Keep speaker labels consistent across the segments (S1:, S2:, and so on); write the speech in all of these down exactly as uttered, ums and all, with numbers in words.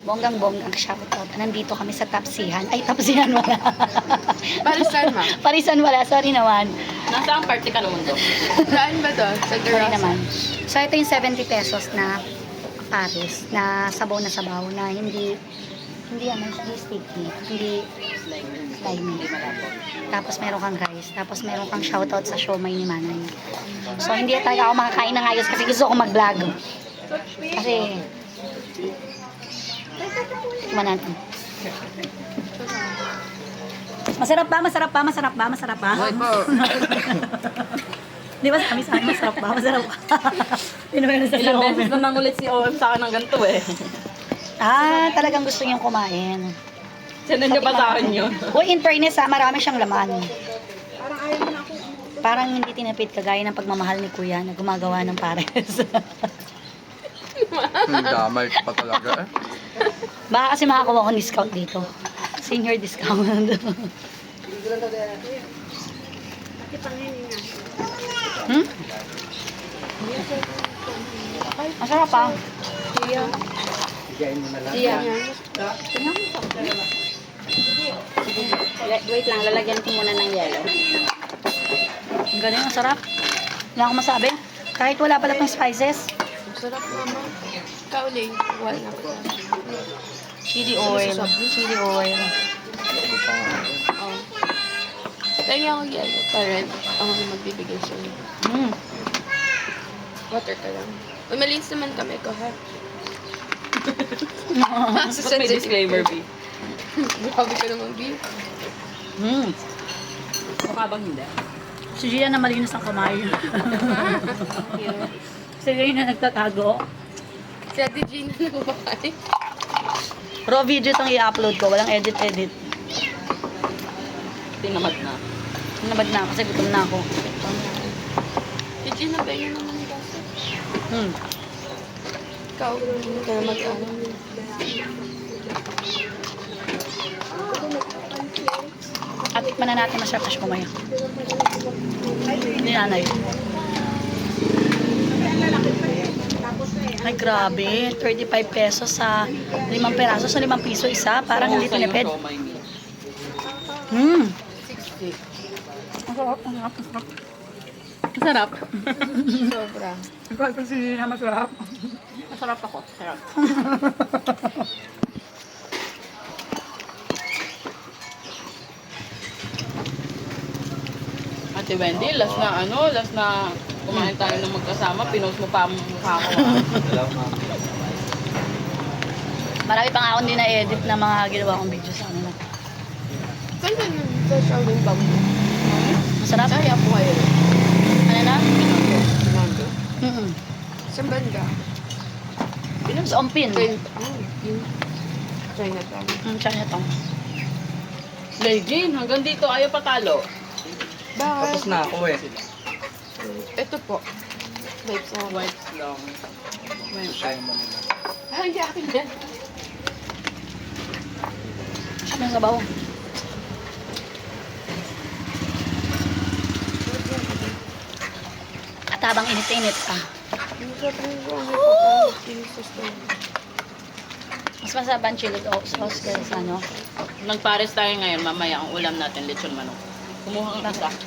S1: Bonggang-bonggang shoutout. Nandito kami sa Tapsihan. Ay, Tapsihan wala.
S2: Parisan, ma'am.
S1: Parisan wala. Sorry naman.
S3: Nasa ang party ka naman doon?
S2: Saan ba to? Sa
S1: Sorry
S2: Garasa?
S1: naman. So, ito yung seventy pesos na Paris. Na sabaw na sabaw. Na hindi, hindi ano, hindi sticky. Hindi slimy. Tapos meron kang rice. Tapos meron kang shoutout sa siomay ni Manay. So, hindi talaga ako makakain ng ayos kasi gusto ko mag-vlog. Kasi, tikman natin. Masarap ba? Masarap ba? Masarap ba? Masarap ba?
S2: Ay po.
S1: Di ba sabi sa akin, masarap ba? Masarap ba? Hindi naman sa
S3: Ilang beses
S1: comment.
S3: na nangulit si O M sa akin ng ganito eh.
S1: Ah, talagang gusto niyang kumain.
S3: Sinend niya pa sa akin yun.
S1: Uy, in fairness ha, marami siyang laman. Parang hindi tinapid kagaya ng pagmamahal ni Kuya na gumagawa ng pares.
S4: Hmm, damay pa talaga eh.
S1: Baka kasi makakuha akong discount dito. Senior discount. hmm? Masarap pa.
S2: Siya.
S1: Siya. Wait lang, lalagyan ko muna ng yellow. Ang galing, ang sarap. Wala akong masabi. Kahit wala pala pang spices.
S2: Sarap, mama. Kauling. Wala po.
S1: Chili oil. Chili oil.
S2: Oh. Lagi ako yellow. Parang ako na magbibigay sa'yo.
S1: Mm.
S2: Water ka lang. Uy, malinis naman kami ko, ha?
S3: Ba't may disclaimer, B?
S2: Grabe ka naman, B.
S1: Mm.
S3: Mukha bang hindi?
S1: Si Gia na malinis ang kamay. Si Gia na nagtatago.
S2: Si Ate Gina nagbabahay.
S1: Raw video itong i-upload ko. Walang edit-edit.
S3: Tinamad na.
S1: Nabad na kasi gutom na ako.
S2: Si Gina, ganyan naman yung kasi.
S1: Hmm.
S2: Ikaw, hindi ka na mag-ano.
S1: At tikman na natin masarap na siya kumaya. Ni nanay. Ay grabe, thirty-five pesos sa limang peraso sa limang piso isa. Parang hindi tinipid. Hmm.
S2: sixty.
S1: Ang sarap, ang sarap, ang sarap.
S3: Ang sarap.
S2: Sobra.
S1: Ikaw ito si Gina masarap.
S3: Masarap ako. Sarap. Ate Wendy, last na ano, last na kumain tayo ng magkasama, pinost mo pa ang mukha ko. ah.
S1: Marami pa nga akong din na-edit na mga ginawa kong video sa kanila.
S2: Saan ka yun? Sa Shaolin Bamboo?
S1: Masarap?
S2: Kaya po kayo.
S1: Ano na?
S2: Bamboo?
S1: Mm-mm.
S2: Saan banda?
S1: Sa Ompin.
S2: Train. Oh, yun. Chinatown.
S1: Mm, Chinatown.
S3: Legend, hanggang dito ayaw patalo.
S2: Bakit?
S4: Tapos na ako eh.
S2: Ito po. Wait, sa white.
S3: Whites lang.
S2: Ah, hindi akin yan.
S1: Ano yung sabaw? At habang init-init pa.
S2: Ang sarap ng buwan. Jesus ko.
S1: Mas masarap ang chili sauce kaya sa ano.
S3: Nagpares tayo ngayon, mamaya ang ulam natin, lechon manok. Kumuha ka isa.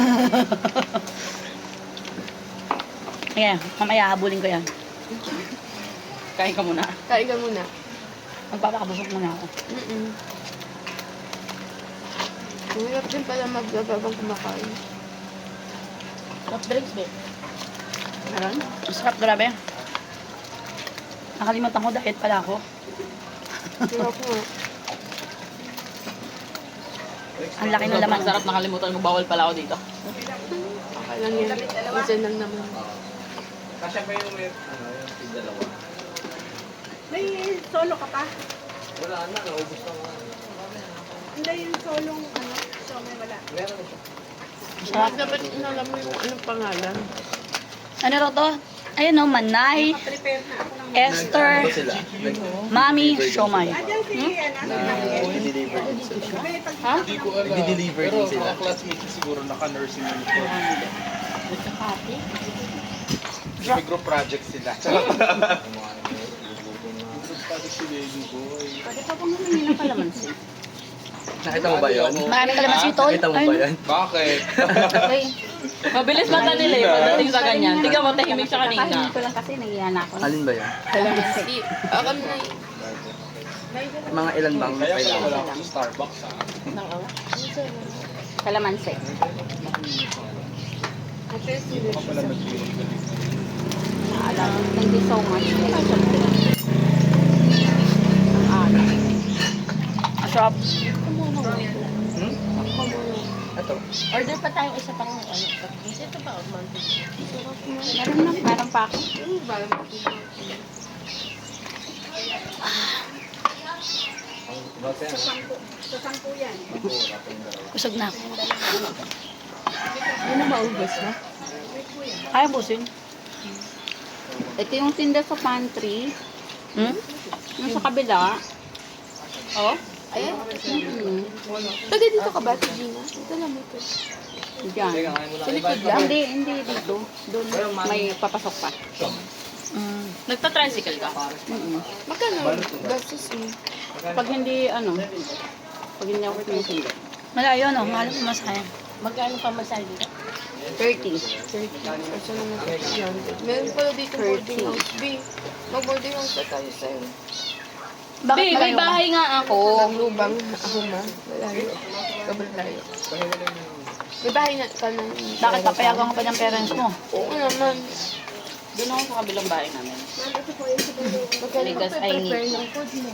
S1: Ayan, mamaya habulin ko yan.
S3: Kain ka muna.
S2: Kain ka muna.
S1: Magpapakabusok muna ako.
S2: Mm-mm. Mahirap din pala maglababang kumakain.
S1: Soft drinks, babe.
S3: Meron?
S1: Masarap, grabe. Nakalimutan ko, diet pala ako.
S2: Hirap nga.
S1: Ang laki ng laman.
S3: Ang sarap, nakalimutan ko, bawal pala ako dito.
S2: Okay lang yan. Minsan lang naman.
S4: Kasi pa yung may, ano, yung dalawa.
S5: May solo ka pa?
S4: Wala na, naubos na nga.
S5: Hindi yung solong ano, so may wala.
S4: Meron na siya.
S1: Masarap.
S2: Dapat inalam mo yung anong pangalan.
S1: Ano raw to? Ayun no, Manay,
S5: Prepare na ako ng...
S1: Esther,
S4: Ano sila? Nag-
S1: Mami, Siomay.
S5: Diyan si, ano,
S4: Nag-deliver din sila.
S5: may pag...
S1: Ha?
S6: Hindi ko alam.
S4: Nag-deliver
S6: Pero
S4: din sila.
S6: mga classmates siguro naka-nursing uniform. May group project sila. si baby boy.
S3: Pwede pa bang humingi ng kalamansi?
S4: Nakita mo ba yun?
S1: Marami ka naman si Tol.
S4: Nakita mo ba yan?
S6: Bakit?
S1: Okay.
S3: Mabilis mata nila eh, pagdating sa ganyan. Tingnan mo, tahimik siya kanina.
S5: Kakainin ko lang kasi nahiya na ako.
S4: Alin ba yan?
S2: Kalamansi. Ako na yun.
S4: Mga ilan bang
S6: Kaya
S4: kailangan?
S6: pala wala ako sa Starbucks ha.
S3: Kalamansi.
S6: Ako pala nag-iwan ka dito.
S3: Naalala. Thank you so much. Ang ala.
S1: Masarap.
S4: Hmm? Ito.
S2: Order pa tayong isa pang ano. Ito pa, Monty.
S3: Meron na, meron pa ako.
S5: Sa sampu, sa sampu yan.
S1: Busog na ako.
S2: Ano ba, ubos na?
S1: Kaya busin.
S3: Ito yung tinda sa pantry.
S1: Hmm?
S3: Yung sa kabila. Oh?
S2: Ayan.
S3: Hmm.
S2: Taga dito ka ba, si Gina? Dito lang mo ito.
S3: Diyan.
S2: Sa likod lang.
S3: Hindi, hindi dito. Doon may papasok pa.
S1: Mm.
S3: Nagta-tricycle ka? Mm
S2: Magkano? Gastos mo.
S3: Pag hindi, ano, pag hindi ako sinusundo.
S1: Malayo, no? Mahal ko masaya.
S2: Magkano pa masal dito?
S3: thirty.
S2: thirty. Kasi naman sa Meron pala dito boarding house. B, mag-boarding house na tayo sa'yo.
S1: Bakit
S3: Babe, may
S1: malayo ka?
S3: bahay nga ako.
S2: Naglubang ako ma. Malayo. Sobrang layo. May bahay na ka na.
S1: Bakit papayagan ka pa ng parents mo?
S2: Oo naman.
S3: Doon ako sa kabilang bahay namin.
S2: Magkano
S3: Because
S2: ka
S3: I
S2: prepare
S3: need-
S2: ng food mo?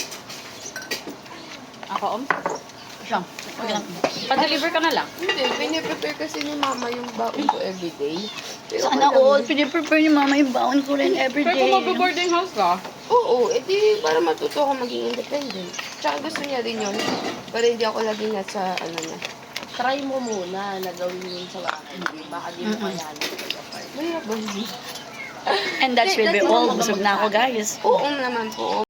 S3: Ako, om?
S1: Siya. Okay lang.
S3: Pa-deliver ka na lang.
S2: Hindi, piniprepare kasi ni mama yung baon ko everyday. Pero
S1: Sana
S2: alam
S1: all,
S2: mo-
S1: piniprepare ni mama yung baon ko rin
S3: Pero
S1: everyday.
S3: kung mag-boarding house ka,
S2: Oo, edi para matuto ako maging independent. Tsaka gusto niya rin yun. Para hindi ako lagi nasa ano niya.
S7: Try mo muna na gawin yun sa bahay. Baka di mo
S1: Mm-mm.
S7: kayanin.
S2: Mahirap ba yun?
S1: And that will be all. Busog na ako, guys.
S2: Oo naman po.